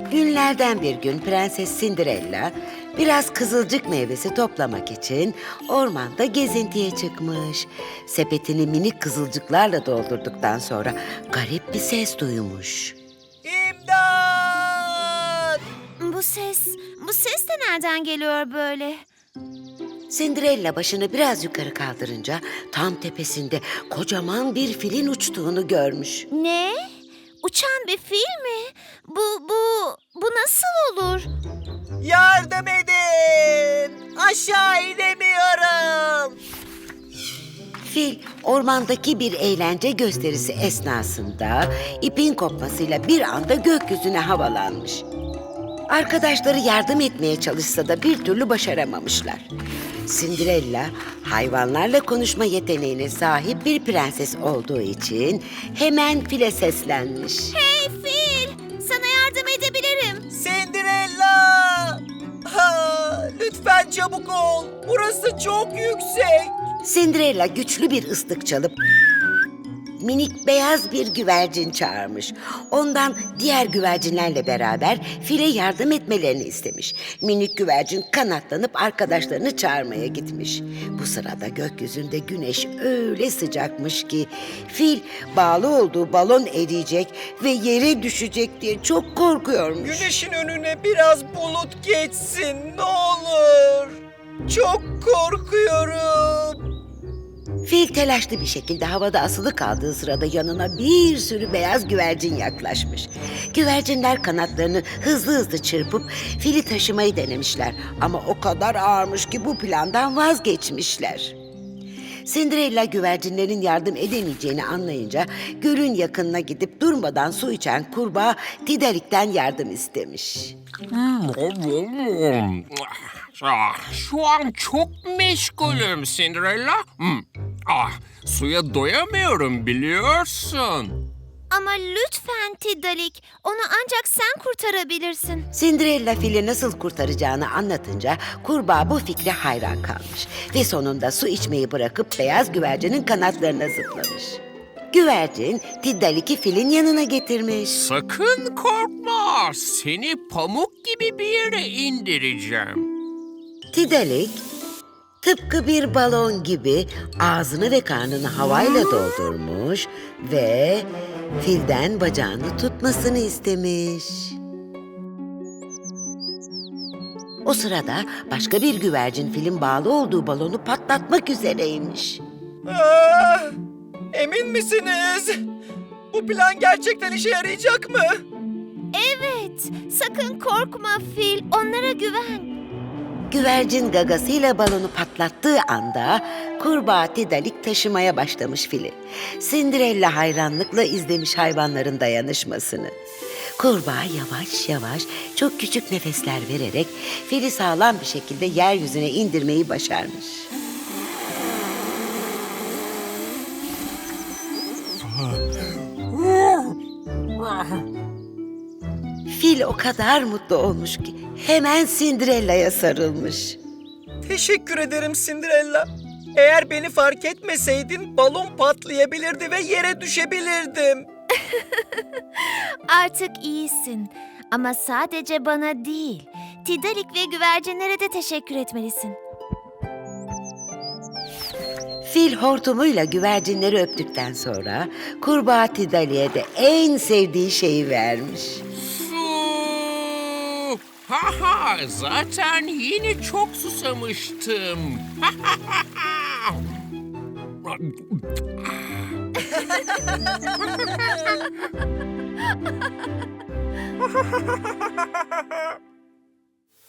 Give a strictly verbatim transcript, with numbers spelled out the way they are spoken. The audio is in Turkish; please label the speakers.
Speaker 1: Günlerden bir gün Prenses Cinderella biraz kızılcık meyvesi toplamak için ormanda gezintiye çıkmış. Sepetini minik kızılcıklarla doldurduktan sonra garip bir ses duymuş.
Speaker 2: İmdat!
Speaker 3: Bu ses, bu ses de nereden geliyor böyle?
Speaker 1: Cinderella başını biraz yukarı kaldırınca tam tepesinde kocaman bir filin uçtuğunu görmüş.
Speaker 3: Ne? Uçan bir fil mi? Bu, bu, bu nasıl olur?
Speaker 2: Yardım edin! Aşağı inemiyorum!
Speaker 1: Fil ormandaki bir eğlence gösterisi esnasında ipin kopmasıyla bir anda gökyüzüne havalanmış. Arkadaşları yardım etmeye çalışsa da bir türlü başaramamışlar. Cinderella hayvanlarla konuşma yeteneğine sahip bir prenses olduğu için hemen file seslenmiş.
Speaker 3: Hey fil! Sana yardım edebilirim.
Speaker 2: Cinderella! Ha, lütfen çabuk ol. Burası çok yüksek.
Speaker 1: Cinderella güçlü bir ıslık çalıp minik beyaz bir güvercin çağırmış. Ondan diğer güvercinlerle beraber file yardım etmelerini istemiş. Minik güvercin kanatlanıp arkadaşlarını çağırmaya gitmiş. Bu sırada gökyüzünde güneş öyle sıcakmış ki fil bağlı olduğu balon eriyecek ve yere düşecek diye çok korkuyormuş.
Speaker 2: Güneşin önüne biraz bulut geçsin ne olur. Çok korkuyorum.
Speaker 1: Fil telaşlı bir şekilde havada asılı kaldığı sırada yanına bir sürü beyaz güvercin yaklaşmış. Güvercinler kanatlarını hızlı hızlı çırpıp fili taşımayı denemişler. Ama o kadar ağırmış ki bu plandan vazgeçmişler. Cinderella güvercinlerin yardım edemeyeceğini anlayınca gölün yakınına gidip durmadan su içen kurbağa Tidalik'ten yardım istemiş.
Speaker 4: Ah, şu an çok meşgulüm Cinderella. Hmm. Ah, suya doyamıyorum biliyorsun.
Speaker 3: Ama lütfen Tidalik, onu ancak sen kurtarabilirsin.
Speaker 1: Cinderella fili nasıl kurtaracağını anlatınca kurbağa bu fikre hayran kalmış. Ve sonunda su içmeyi bırakıp beyaz güvercinin kanatlarına zıplamış. Güvercin Tiddalik'i filin yanına getirmiş.
Speaker 4: Sakın korkma. Seni pamuk gibi bir yere indireceğim.
Speaker 1: Tiddalik tıpkı bir balon gibi ağzını ve karnını havayla doldurmuş ve filden bacağını tutmasını istemiş. O sırada başka bir güvercin filin bağlı olduğu balonu patlatmak üzereymiş.
Speaker 2: Ah, emin misiniz? Bu plan gerçekten işe yarayacak mı?
Speaker 3: Evet, sakın korkma fil, onlara güven.
Speaker 1: Güvercin gagasıyla balonu patlattığı anda kurbağa Tiddalik taşımaya başlamış fili. Cinderella hayranlıkla izlemiş hayvanların dayanışmasını. Kurbağa yavaş yavaş çok küçük nefesler vererek fili sağlam bir şekilde yeryüzüne indirmeyi başarmış. Fil o kadar mutlu olmuş ki hemen Cinderella'ya sarılmış.
Speaker 2: Teşekkür ederim Cinderella. Eğer beni fark etmeseydin balon patlayabilirdi ve yere düşebilirdim.
Speaker 3: Artık iyisin ama sadece bana değil, Tidalik ve güvercinlere de teşekkür etmelisin.
Speaker 1: Fil hortumuyla güvercinleri öptükten sonra kurbağa Tiddalik'e de en sevdiği şeyi vermiş.
Speaker 4: Su! Ha ha, zaten yine çok susamıştım. Ha ha ha ha.